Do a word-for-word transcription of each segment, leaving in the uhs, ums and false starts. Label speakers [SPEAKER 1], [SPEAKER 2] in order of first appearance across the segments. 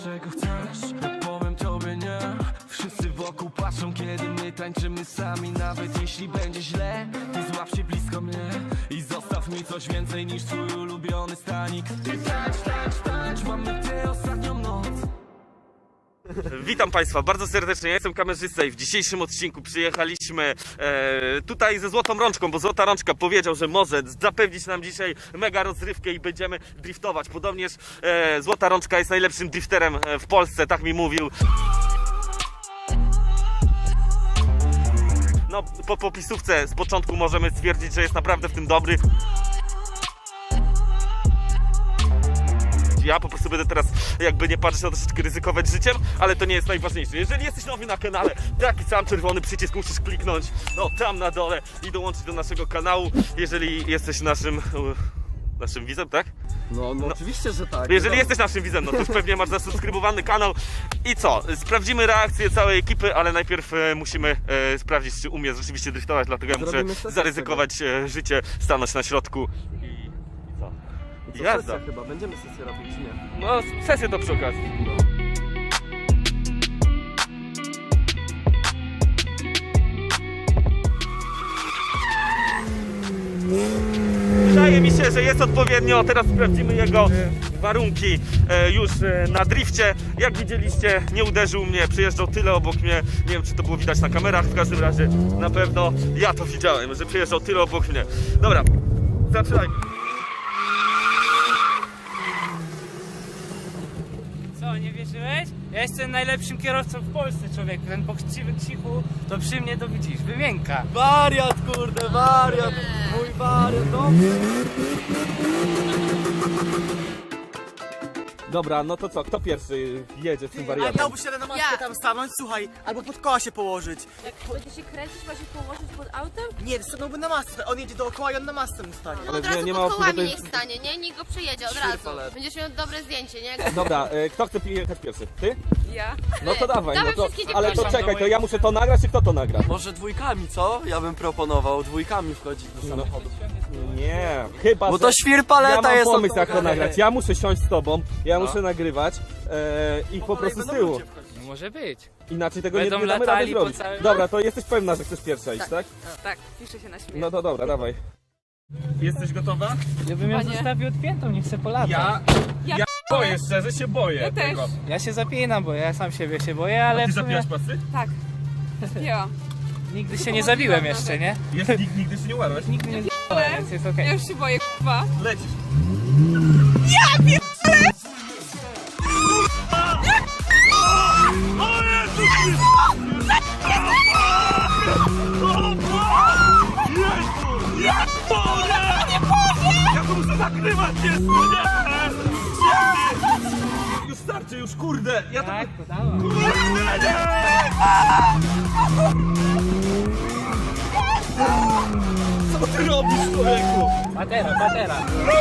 [SPEAKER 1] czego chcesz, powiem tobie nie. Wszyscy wokół patrzą, kiedy my tańczymy sami. Nawet jeśli będzie źle, ty złap się blisko mnie i zostaw mi coś więcej niż twój ulubiony stanik. Ty tańcz, tańcz, tańcz, mamy tę ostatnią noc.
[SPEAKER 2] Witam Państwa bardzo serdecznie, ja jestem kamerzysta i w dzisiejszym odcinku przyjechaliśmy e, tutaj ze Złotą Rączką, bo Złota Rączka powiedział, że może zapewnić nam dzisiaj mega rozrywkę i będziemy driftować. Podobnież e, Złota Rączka jest najlepszym drifterem w Polsce, tak mi mówił. No, po popisówce z początku możemy stwierdzić, że jest naprawdę w tym dobry. Ja po prostu będę teraz, jakby nie patrzeć, na troszeczkę ryzykować życiem, ale to nie jest najważniejsze. Jeżeli jesteś nowy na kanale, taki sam czerwony przycisk musisz kliknąć, no tam na dole i dołączyć do naszego kanału, jeżeli jesteś naszym... naszym widzem, tak?
[SPEAKER 3] No, no, no oczywiście, że tak.
[SPEAKER 2] Jeżeli
[SPEAKER 3] no.
[SPEAKER 2] jesteś naszym widzem, no to już pewnie masz zasubskrybowany kanał. I co? Sprawdzimy reakcję całej ekipy, ale najpierw e, musimy e, sprawdzić, czy umie rzeczywiście driftować, dlatego ja muszę
[SPEAKER 3] sesję
[SPEAKER 2] zaryzykować e, życie, stanąć na środku i, i co?
[SPEAKER 3] I co,
[SPEAKER 2] Jazda.
[SPEAKER 3] sesja chyba, będziemy sesję robić, czy nie?
[SPEAKER 2] No, sesję to przy okazji. Wydaje mi się, że jest odpowiednio. Teraz sprawdzimy jego warunki e, już e, na drifcie. Jak widzieliście, nie uderzył mnie, przejeżdżał tyle obok mnie. Nie wiem, czy to było widać na kamerach, w każdym razie na pewno ja to widziałem, że przejeżdżał tyle obok mnie. Dobra, zaczynajmy.
[SPEAKER 4] Co, nie wierzyłeś? Ja jestem najlepszym kierowcą w Polsce, człowieku. Ten pochciwy Krzychu, to przy mnie to widzisz, wymienka.
[SPEAKER 3] Wariat, kurde, wariat! Mój wariat, dobrze!
[SPEAKER 2] Dobra, no to co, kto pierwszy jedzie z tym
[SPEAKER 5] A
[SPEAKER 2] wariatem?
[SPEAKER 5] miałbyś się na maskę
[SPEAKER 6] Ja.
[SPEAKER 5] tam stanąć, słuchaj, albo pod koła się położyć.
[SPEAKER 6] Jak będzie się kręcić, ma się położyć pod autem?
[SPEAKER 5] Nie, stanąłby na masce, on jedzie dookoła i on na masce mu stanie.
[SPEAKER 6] No
[SPEAKER 2] Ale
[SPEAKER 6] od
[SPEAKER 2] nie-
[SPEAKER 6] razu
[SPEAKER 2] nie ma
[SPEAKER 6] pod
[SPEAKER 2] opcji, bo
[SPEAKER 6] kołami
[SPEAKER 2] to
[SPEAKER 6] niech
[SPEAKER 2] jest-
[SPEAKER 6] stanie, nie? Niech go przejedzie od
[SPEAKER 3] Świr
[SPEAKER 6] razu.
[SPEAKER 3] palet.
[SPEAKER 6] Będziesz miał dobre zdjęcie, nie?
[SPEAKER 2] Dobra, e, kto chce jechać pierwszy? Ty?
[SPEAKER 6] Ja.
[SPEAKER 2] No to dawaj, no
[SPEAKER 6] Dawaj
[SPEAKER 2] to,
[SPEAKER 6] wszystkie
[SPEAKER 2] ale to
[SPEAKER 6] dziewczyny.
[SPEAKER 2] czekaj, to ja muszę to nagrać, czy kto to nagra?
[SPEAKER 3] Może dwójkami, co? Ja bym proponował dwójkami wchodzić do samochodu.
[SPEAKER 2] Nie, chyba,
[SPEAKER 3] Bo to
[SPEAKER 2] że...
[SPEAKER 3] świr
[SPEAKER 2] Ja
[SPEAKER 3] paleta
[SPEAKER 2] mam
[SPEAKER 3] jest...
[SPEAKER 2] pomysł, jak to
[SPEAKER 3] oddany.
[SPEAKER 2] nagrać. Ja muszę siąść z tobą, ja
[SPEAKER 3] No.
[SPEAKER 2] muszę nagrywać e, i po
[SPEAKER 3] kolei
[SPEAKER 2] prostu z
[SPEAKER 3] będą
[SPEAKER 2] tyłu.
[SPEAKER 3] ludzie wchodzić.
[SPEAKER 4] No może być.
[SPEAKER 2] Inaczej tego nie,
[SPEAKER 4] Będą
[SPEAKER 2] nie damy rady
[SPEAKER 4] latali po
[SPEAKER 2] zrobić.
[SPEAKER 4] całym-
[SPEAKER 2] Dobra, to jesteś pewna, że chcesz pierwsza iść, tak?
[SPEAKER 7] Tak, piszę się na śmiech.
[SPEAKER 2] No to dobra, dawaj. Jesteś gotowa?
[SPEAKER 4] Ja bym ją
[SPEAKER 7] Chyba nie.
[SPEAKER 4] zostawił odpiętą, nie chcę polatać.
[SPEAKER 2] Ja,
[SPEAKER 7] Ja,
[SPEAKER 2] ja boję, szczerze się boję
[SPEAKER 7] Ja też.
[SPEAKER 2] tego.
[SPEAKER 4] Ja się zapinam, bo ja sam siebie się boję, ale
[SPEAKER 2] Ty
[SPEAKER 4] w sumie
[SPEAKER 2] zapiłaś pasy?
[SPEAKER 7] tak. Spięłam.
[SPEAKER 4] nigdy się nie zabiłem jeszcze, nie?
[SPEAKER 2] Jest, nigdy, nigdy się nie umarłeś?
[SPEAKER 4] Nigdy nie zabiłem, więc jest okej.
[SPEAKER 7] Ja już się boję, k***wa.
[SPEAKER 2] Lecisz. Ja to muszę nagrywać jeszcze, nie! Już starczy, już kurde! Ja to...
[SPEAKER 4] Tak, to dałem.
[SPEAKER 2] Kurde, nie! Co ty robisz, człowieku?
[SPEAKER 4] Patera, patera.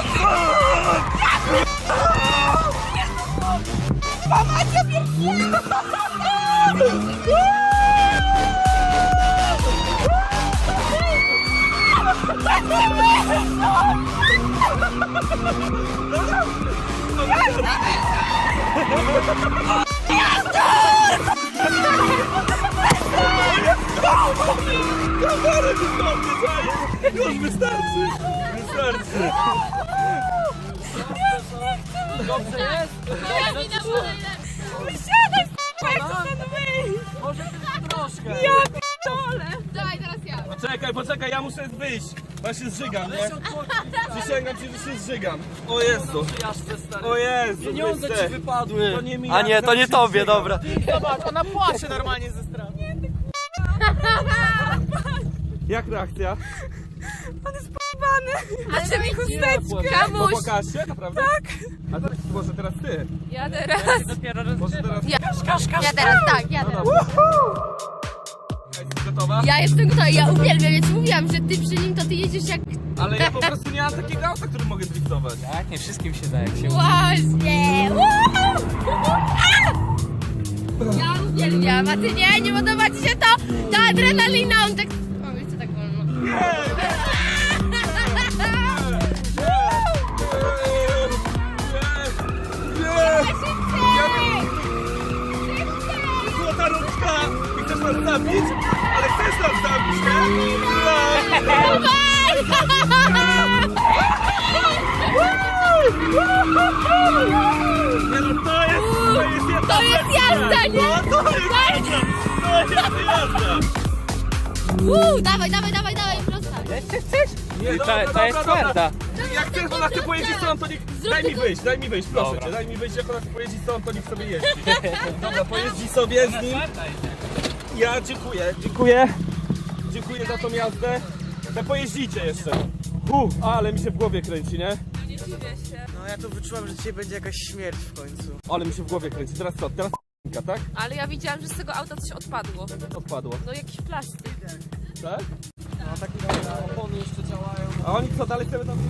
[SPEAKER 2] Kamerę wyglądy, daję! Już wystarczy! Wystarczy!
[SPEAKER 6] Dobrze jest? Ja mi na wolę.
[SPEAKER 7] Wysiadaj, k***wa, jak chcę stąd wyjść.
[SPEAKER 3] Może tylko troszkę.
[SPEAKER 7] Ja p***dolę.
[SPEAKER 6] Daj, teraz ja.
[SPEAKER 2] Poczekaj, poczekaj, ja muszę wyjść! Bo ja się zżygam, nie? Przysięgam ci, że się zżygam. O Jezu! O Jezu!
[SPEAKER 3] Pieniądze
[SPEAKER 2] Chryste.
[SPEAKER 3] ci wypadły.
[SPEAKER 2] To nie mi,
[SPEAKER 3] A nie, to nie tobie, dobra.
[SPEAKER 5] Zobacz, ona płacze normalnie ze strachu.
[SPEAKER 2] Jak reakcja?
[SPEAKER 6] Ale mi
[SPEAKER 7] Chusteczkę.
[SPEAKER 2] Bo pokaż się, naprawdę? Tak! A teraz, może teraz ty?
[SPEAKER 7] Ja teraz.
[SPEAKER 4] Dopiero
[SPEAKER 2] Może teraz...
[SPEAKER 6] Ja, ja teraz, tak, ja teraz.
[SPEAKER 2] Jesteś gotowa?
[SPEAKER 6] Ja jestem gotowa, ja uwielbiam, więc mówiłam, że ty przy nim to ty jedziesz jak...
[SPEAKER 2] Ale ja po prostu nie mam takiego auta, którym mogę driftować.
[SPEAKER 4] Tak, nie wszystkim się da, jak się uda.
[SPEAKER 6] Właśnie! Ja uwielbiam, a ty nie, nie podoba ci się to? Ta adrenalina, on tak... O, wiecie, tak wolno.
[SPEAKER 2] Ja nas zabić? Ale chcesz nas zabić, nie? No. Nie no, to jest, to jest jazda!
[SPEAKER 6] To jest jazda, nie?
[SPEAKER 2] No, to jest jazda! To jest jazda!
[SPEAKER 6] Uuu, dawaj, dawaj, dawaj, dawaj, prosta.
[SPEAKER 4] Jeszcze chcesz?
[SPEAKER 2] Nie,
[SPEAKER 4] To,
[SPEAKER 2] dobra,
[SPEAKER 4] to jest
[SPEAKER 2] dobra,
[SPEAKER 4] twarda.
[SPEAKER 2] dobra. Jak chcesz, ona chce pojeździć stąd, to niech... Daj mi wyjść, daj mi wyjść, proszę cię, daj mi wyjść, jak ona chce pojeździć stąd, to niech sobie jeździ. Dobra, pojeździ sobie z nim. Ja dziękuję, dziękuję. Dziękuję za tą jazdę. Te pojeździcie jeszcze. Uf, ale mi się w głowie kręci, nie?
[SPEAKER 5] No ja tu wyczułam, że dzisiaj będzie jakaś śmierć w końcu.
[SPEAKER 2] Ale mi się w głowie kręci. Teraz co? Teraz tak?
[SPEAKER 7] Ale ja widziałam, że z tego auta coś odpadło.
[SPEAKER 2] Odpadło.
[SPEAKER 7] No jakiś plastik.
[SPEAKER 2] Tak?
[SPEAKER 3] No takie opony jeszcze działają.
[SPEAKER 2] A oni co dalej chcemy tam...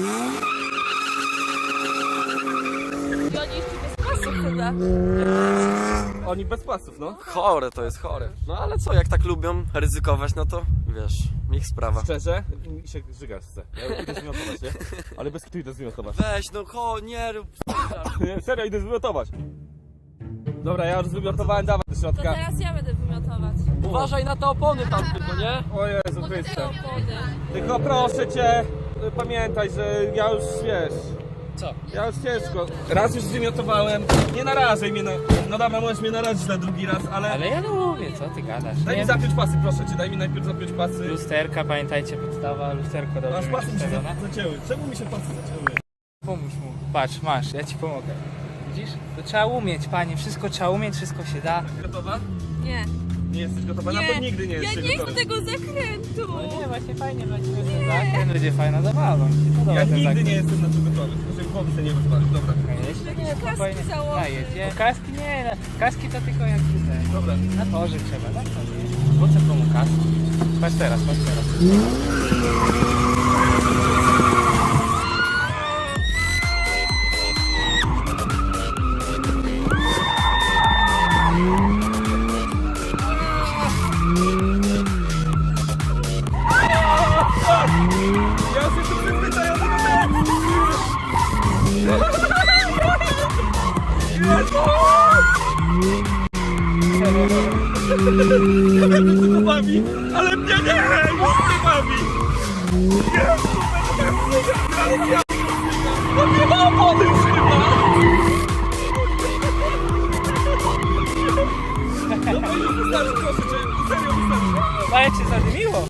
[SPEAKER 7] I oni jeszcze bez pasów chyba.
[SPEAKER 2] Oni bez pasów, no.
[SPEAKER 3] Chore to jest chore. No ale co, jak tak lubią ryzykować, no to wiesz, ich sprawa.
[SPEAKER 2] Szczerze, mi się żygasz chce. Ja idę zwymiotować, nie? Ale bez kitu idę zwymiotować.
[SPEAKER 3] Weź, no cho, nie rób.
[SPEAKER 2] Nie, serio, idę zwymiotować. Dobra, ja już zwymiotowałem, dawaj do
[SPEAKER 7] To
[SPEAKER 2] środka.
[SPEAKER 7] teraz ja będę wymiotować.
[SPEAKER 3] Uważaj na te opony tam tylko, nie?
[SPEAKER 2] O Jezu
[SPEAKER 7] Te
[SPEAKER 2] Chryste.
[SPEAKER 7] opony.
[SPEAKER 2] Tylko proszę cię, pamiętaj, że ja już, wiesz...
[SPEAKER 4] Co?
[SPEAKER 2] Ja już ciężko. Raz już zwymiotowałem, nie narażaj mnie na... No dobra, możesz mnie narazić na drugi raz, ale...
[SPEAKER 4] Ale ja lubię, co ty gadasz?
[SPEAKER 2] Daj
[SPEAKER 4] Nie?
[SPEAKER 2] mi zapiąć pasy, proszę cię, daj mi najpierw zapiąć pasy.
[SPEAKER 4] Lusterka, pamiętajcie, podstawa, lusterko
[SPEAKER 2] Aż
[SPEAKER 4] dobrze
[SPEAKER 2] pasy
[SPEAKER 4] mieć
[SPEAKER 2] mi się
[SPEAKER 4] ustawione.
[SPEAKER 2] zacięły. Czemu mi się pasy zacięły?
[SPEAKER 4] Pomóż mu. Patrz, masz, ja ci pomogę. Widzisz? To trzeba umieć, panie, wszystko trzeba umieć, wszystko się da.
[SPEAKER 2] Gotowa?
[SPEAKER 7] Nie.
[SPEAKER 2] Nie jesteś gotowa? Na to nigdy nie
[SPEAKER 7] Ja
[SPEAKER 2] jesteś
[SPEAKER 7] nie chcę
[SPEAKER 2] gotowa.
[SPEAKER 7] tego zakrętu.
[SPEAKER 4] No nie, właśnie fajnie, właśnie ten zakręt będzie fajna zabawa. Mi się podoba
[SPEAKER 2] Ja
[SPEAKER 4] ten
[SPEAKER 2] nigdy
[SPEAKER 4] zakręt.
[SPEAKER 2] nie jestem na to gotowy, żeby głowy sobie nie rozwalić. Dobra.
[SPEAKER 4] Jeśli nie,
[SPEAKER 7] Kaski
[SPEAKER 4] spokojnie.
[SPEAKER 7] założyć.
[SPEAKER 4] Najedzie. Kaski nie, na- kaski to tylko jak tutaj.
[SPEAKER 2] Dobra.
[SPEAKER 4] Na torze trzeba, tak? Po co komu kaski? Patrz teraz, patrz teraz.
[SPEAKER 2] Ja już jestem przyzwyczajony do tego! Nie wiem, co to bawi, ale mnie nie! Już nie bawi! Jezu, będę ja on nie ma opony już chyba! No to już wystarczy, proszę cię, serio wystarczy.
[SPEAKER 4] Ale cię zadymiło.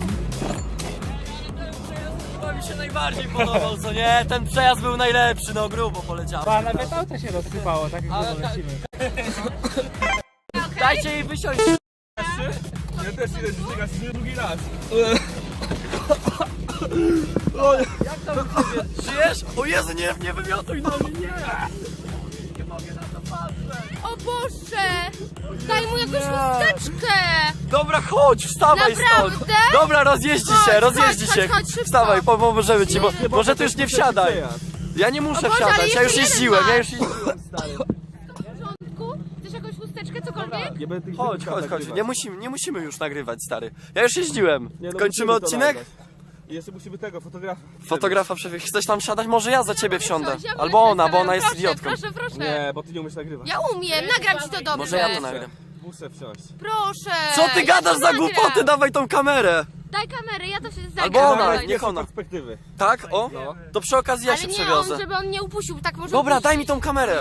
[SPEAKER 3] To mi się najbardziej podobał, co nie? Ten przejazd był najlepszy, no grubo poleciał.
[SPEAKER 4] A nawet auto się rozsypało, tak jak
[SPEAKER 3] Ale
[SPEAKER 4] my
[SPEAKER 3] tak-
[SPEAKER 4] lecimy.
[SPEAKER 3] Dajcie jej wysiąść.
[SPEAKER 2] Ja też idę ścigać nie drugi raz.
[SPEAKER 3] Jak tam u ciebie? Żyjesz? O Jezu, nie, nie wymiotuj na mnie, nie!
[SPEAKER 6] O Boże! Daj mu jakąś chusteczkę!
[SPEAKER 3] Dobra, chodź, wstawaj
[SPEAKER 6] Naprawdę?
[SPEAKER 3] stąd! Dobra, rozjeździ
[SPEAKER 6] Chodź,
[SPEAKER 3] się, rozjeździ
[SPEAKER 6] chodź,
[SPEAKER 3] się!
[SPEAKER 6] chodź, chodź, szybko.
[SPEAKER 3] Wstawaj, po- pomożemy ci, bo
[SPEAKER 6] Nie.
[SPEAKER 3] może tu już nie wsiadaj! Ja nie
[SPEAKER 6] O
[SPEAKER 3] muszę
[SPEAKER 6] Boże, ale
[SPEAKER 3] wsiadać, ja już
[SPEAKER 6] jeszcze jeden
[SPEAKER 3] jeździłem, ja
[SPEAKER 6] masz.
[SPEAKER 3] już jeździłem, stary.
[SPEAKER 6] W porządku? Chcesz jakąś chusteczkę, cokolwiek?
[SPEAKER 2] Nie będę tych
[SPEAKER 3] Chodź,
[SPEAKER 2] zdjęć
[SPEAKER 3] chodź, chodź,
[SPEAKER 2] nagrywać.
[SPEAKER 3] nie musimy, nie musimy już nagrywać, stary. Ja już jeździłem.
[SPEAKER 2] Nie, no
[SPEAKER 3] Kończymy
[SPEAKER 2] musimy to
[SPEAKER 3] odcinek?
[SPEAKER 2] nagrać. I jeszcze musimy tego, fotografa.
[SPEAKER 3] Fotografa przewieźć. Chcesz tam wsiadać? Może ja za ciebie wsiądę.
[SPEAKER 6] Wsiądź, ja mogę
[SPEAKER 3] Albo ona, bo
[SPEAKER 6] wsiąść,
[SPEAKER 3] ona jest
[SPEAKER 6] proszę,
[SPEAKER 3] idiotką.
[SPEAKER 6] Proszę, proszę.
[SPEAKER 2] Nie, bo ty nie umiesz nagrywać.
[SPEAKER 6] Ja umiem, nagram ci to dobrze.
[SPEAKER 3] Może ja to nagram.
[SPEAKER 2] Muszę wsiąść.
[SPEAKER 6] Proszę.
[SPEAKER 3] Co ty
[SPEAKER 6] ja
[SPEAKER 3] gadasz
[SPEAKER 6] to
[SPEAKER 3] za
[SPEAKER 6] nagram.
[SPEAKER 3] głupoty? Dawaj tą kamerę.
[SPEAKER 6] Daj kamerę, ja to się zagram.
[SPEAKER 3] Albo ona,
[SPEAKER 6] Dawaj.
[SPEAKER 3] niech ona.
[SPEAKER 2] Z perspektywy.
[SPEAKER 3] Tak? O? To przy okazji ja
[SPEAKER 6] Ale
[SPEAKER 3] się
[SPEAKER 6] nie
[SPEAKER 3] przewiozę.
[SPEAKER 6] on, żeby on nie upuścił, tak może
[SPEAKER 3] Dobra,
[SPEAKER 6] upuścić.
[SPEAKER 3] daj mi tą kamerę.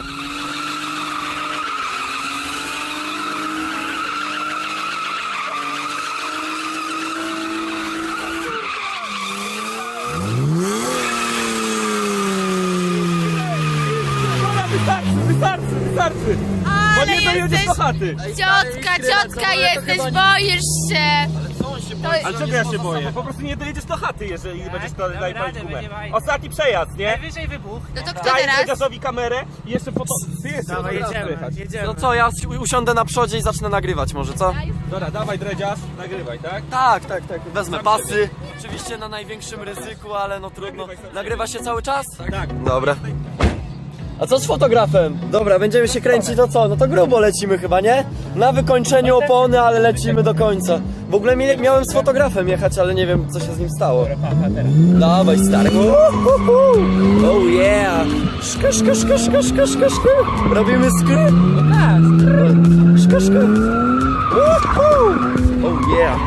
[SPEAKER 2] Dobra, wystarczy, wystarczy, wystarczy! Bo
[SPEAKER 6] Ale
[SPEAKER 2] nie dojedziesz
[SPEAKER 6] jesteś...
[SPEAKER 2] do chaty!
[SPEAKER 6] Ciotka, ciotka jesteś, boisz się. To jest...
[SPEAKER 2] Ale czego ja się boję? Po prostu nie dojedziesz do chaty, jeżeli będziesz to
[SPEAKER 4] damy
[SPEAKER 2] daj
[SPEAKER 4] radę,
[SPEAKER 2] palić gumę.
[SPEAKER 4] będzie fajnie.
[SPEAKER 2] Ostatni przejazd, nie?
[SPEAKER 4] Najwyżej wybuch.
[SPEAKER 6] No to kto
[SPEAKER 2] Daj
[SPEAKER 6] teraz?
[SPEAKER 2] Dredziarzowi kamerę i jeszcze foto... Ty jeszcze
[SPEAKER 4] Dawaj,
[SPEAKER 2] fotografię
[SPEAKER 4] jedziemy,
[SPEAKER 2] jechać.
[SPEAKER 4] jedziemy.
[SPEAKER 3] No co, ja si- usiądę na przodzie i zacznę nagrywać może, co?
[SPEAKER 2] Dobra, dawaj Dredziarz, nagrywaj, tak?
[SPEAKER 3] Tak, tak, tak. Wezmę pasy. Oczywiście na największym ryzyku, ale no trudno. Nagrywa się cały czas?
[SPEAKER 2] Tak.
[SPEAKER 3] Dobra. A co z fotografem? Dobra, będziemy się kręcić, to co? No to grubo lecimy chyba, nie? Na wykończeniu opony, ale lecimy do końca. W ogóle mi, miałem z fotografem jechać, ale nie wiem co się z nim stało. Dawaj stary. Uhuhu. Oh yeah. Szka, szka, szka, szka, szka, szka, szka. Robimy skry. Szka, szka. Uhu. Oh yeah.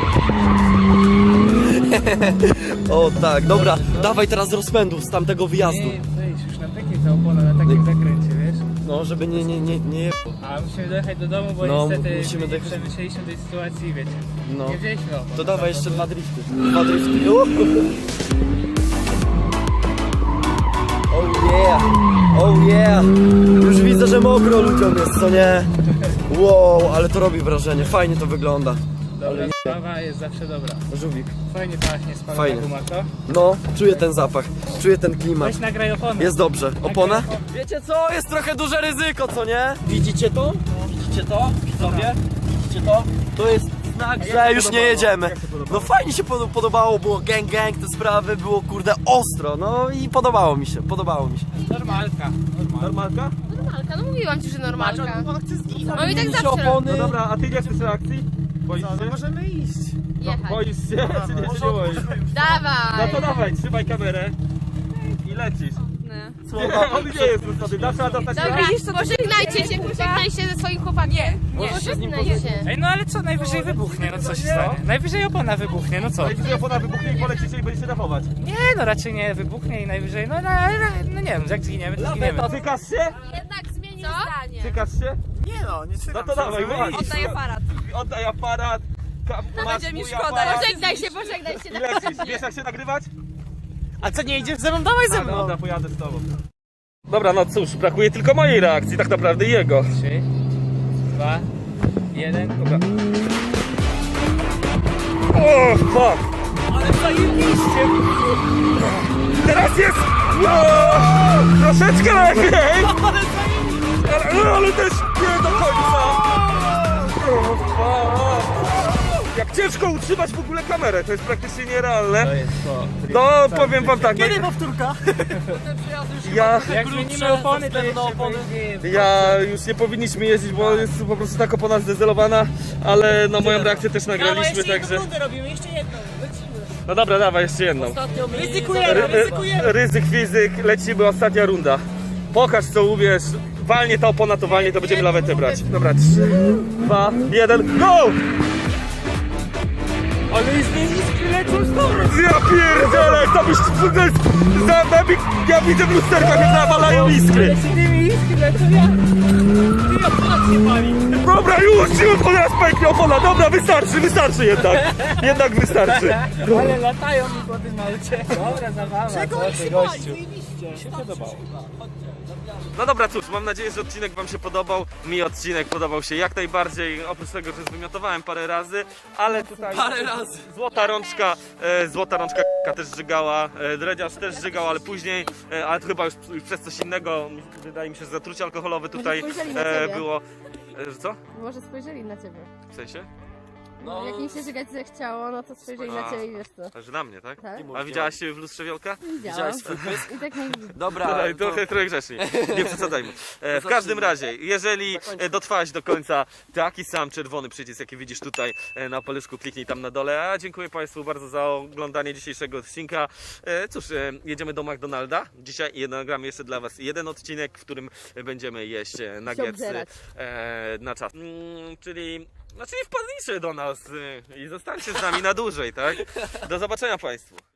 [SPEAKER 3] O tak, dobra, dawaj teraz rozpędu z tamtego wyjazdu.
[SPEAKER 4] Nie, wejdź, już na takiej ta opona, na takim zakręcie, wiesz?
[SPEAKER 3] No, żeby nie, nie, nie, nie...
[SPEAKER 4] A musimy dojechać do domu, bo
[SPEAKER 3] No,
[SPEAKER 4] niestety
[SPEAKER 3] musimy dojechać.
[SPEAKER 4] przemyśleliśmy tej sytuacji, wiecie.
[SPEAKER 3] No.
[SPEAKER 4] Nie wzięliśmy opon.
[SPEAKER 3] To dawaj jeszcze dwa drifty. Dwa drifty. Uhu. Oh yeah, oh yeah. Już widzę, że mokro ludziom jest, co nie? Wow, ale to robi wrażenie, fajnie to wygląda.
[SPEAKER 4] Dobra sprawa jest zawsze dobra.
[SPEAKER 3] Żółwik.
[SPEAKER 4] Fajnie pachnie spalona
[SPEAKER 3] Fajnie.
[SPEAKER 4] guma, co?
[SPEAKER 3] No, czuję ten zapach, czuję ten klimat.
[SPEAKER 4] Weź nagraj oponę.
[SPEAKER 3] Jest dobrze. Opona? Wiecie co? Jest trochę duże ryzyko, co nie? Widzicie to? Widzicie to? Widzowie? Widzicie to? To jest znak, że już nie jedziemy. No fajnie się pod- podobało, było gang gang, te sprawy, było kurde ostro, no i podobało mi się, podobało mi się.
[SPEAKER 4] Normalka.
[SPEAKER 2] Normalka?
[SPEAKER 6] Normalka, no mówiłam ci, że normalka. No i tak
[SPEAKER 3] Się
[SPEAKER 6] zawsze
[SPEAKER 3] opony.
[SPEAKER 2] No dobra, a ty nie chcesz reakcji? Boisz się?
[SPEAKER 5] No możemy iść.
[SPEAKER 6] jechać.
[SPEAKER 2] Boisz się, czy nie, czy nie boisz?
[SPEAKER 6] Dawaj!
[SPEAKER 2] No to dawaj, trzymaj kamerę i lecisz.
[SPEAKER 6] No.
[SPEAKER 2] On nie jest wysady, trzeba dostać
[SPEAKER 6] Dobra, pożegnajcie się, pożegnaj się ze swoim chłopakiem. Nie, nie. Pożegnaj się.
[SPEAKER 4] Ej, no ale co, najwyżej wybuchnie, no co się stanie? Najwyżej opona wybuchnie, no co?
[SPEAKER 2] Najwyżej opona wybuchnie i polecicie i będziecie dachować.
[SPEAKER 4] Nie, no raczej nie wybuchnie i najwyżej, no, no, no, no nie wiem, jak zginiemy, to zginiemy.
[SPEAKER 2] Cykasz się?
[SPEAKER 6] Jednak zmienił zdanie.
[SPEAKER 2] Cykasz się?
[SPEAKER 5] Nie no, nie
[SPEAKER 2] No
[SPEAKER 5] trzymam
[SPEAKER 2] to dawaj, wyjdź.
[SPEAKER 6] Oddaj aparat.
[SPEAKER 2] Oddaj aparat. Ka- masz
[SPEAKER 6] Będzie mi
[SPEAKER 2] mój
[SPEAKER 6] szkoda.
[SPEAKER 2] aparat
[SPEAKER 6] Pożegnaj się, pożegnaj się.
[SPEAKER 2] I lecisz. Wiesz jak się nagrywać?
[SPEAKER 5] A co, nie idziesz ze mną? Dawaj ze
[SPEAKER 2] A,
[SPEAKER 5] mną.
[SPEAKER 2] dobra, pojadę z tobą. Dobra, no cóż, brakuje tylko mojej reakcji, tak naprawdę i jego.
[SPEAKER 4] Trzy, dwa, jeden.
[SPEAKER 2] Dobra. O, fuck!
[SPEAKER 5] Ale zajebiście.
[SPEAKER 2] Teraz jest! Wow, troszeczkę lepiej! Ale, ale też nie do końca! O, fuck. Jak ciężko utrzymać w ogóle kamerę, to jest praktycznie nierealne.
[SPEAKER 4] To jest to.
[SPEAKER 2] No, powiem wam tak, no,
[SPEAKER 5] Kiedy powtórka?
[SPEAKER 2] ja,
[SPEAKER 4] Jak zmienimy opony, to jeszcze
[SPEAKER 5] opony.
[SPEAKER 4] będzie...
[SPEAKER 2] ja już nie powinniśmy jeździć, bo jest po prostu tak opona zdezelowana, ale no moją reakcję też nagraliśmy, także...
[SPEAKER 5] robimy, jeszcze jedną. Lecimy.
[SPEAKER 2] No dobra, dawaj, jeszcze jedną.
[SPEAKER 5] Ryzykujemy,
[SPEAKER 2] Ry-
[SPEAKER 5] ryzykujemy.
[SPEAKER 2] Ryzyk fizyk, lecimy, ostatnia runda. Pokaż co umiesz, walnie ta opona, to walnie, to będziemy lawetę brać. Dobra, trzy, dwa, jeden, go!
[SPEAKER 4] Ale jest niski lecą z domu.
[SPEAKER 2] Ja pierdzielę, to byś to jest za nami, ja widzę w lusterkach, jak nawalają iskry.
[SPEAKER 4] Z tymi iskry lecą ja. Ty opona się pali.
[SPEAKER 2] Dobra, już, już, od raz pęknie opona, dobra, wystarczy, wystarczy jednak. Jednak wystarczy.
[SPEAKER 4] Ale latają mi po tym aucie. Dobra, zabawa. Czego się gościu. Mi się podobało.
[SPEAKER 2] No dobra, cóż, mam nadzieję, że odcinek wam się podobał. Mi odcinek podobał się jak najbardziej, oprócz tego, że zwymiotowałem parę razy, ale tutaj...
[SPEAKER 3] Parę razy.
[SPEAKER 2] Złota rączka, e, złota rączka też żygała, e, dredziarz też żygał, ale później, e, ale to chyba już, już przez coś innego, wydaje mi się, że zatrucie alkoholowe tutaj
[SPEAKER 6] spojrzeli na
[SPEAKER 2] e,
[SPEAKER 6] ciebie.
[SPEAKER 2] było. E, że co?
[SPEAKER 6] Może spojrzeli na ciebie.
[SPEAKER 2] W sensie?
[SPEAKER 6] No, jak im się żygać zechciało, no to spojrzeli na
[SPEAKER 2] A.
[SPEAKER 6] ciebie i wiesz co.
[SPEAKER 2] Że na mnie, tak?
[SPEAKER 6] Tak?
[SPEAKER 2] A widziałaś siebie w lustrze Wiolka?
[SPEAKER 6] Widziałam.
[SPEAKER 3] swój pysk?
[SPEAKER 6] I tak nie widzę.
[SPEAKER 3] Dobra,
[SPEAKER 2] Dobra,
[SPEAKER 3] to...
[SPEAKER 2] trochę, trochę grzecznie, nie przesadzajmy. E, w każdym razie, jeżeli e, dotrwałeś do końca, taki sam czerwony przycisk, jaki widzisz tutaj e, na paluszku, kliknij tam na dole. A dziękuję Państwu bardzo za oglądanie dzisiejszego odcinka. E, cóż, e, jedziemy do McDonalda dzisiaj i nagramy jeszcze dla Was jeden odcinek, w którym będziemy jeść e, nuggetsy
[SPEAKER 6] obdzierać.
[SPEAKER 2] e, na czas. Mm, czyli... No czyli wpadnijcie do nas y, i zostańcie z nami na dłużej, tak? Do zobaczenia Państwu.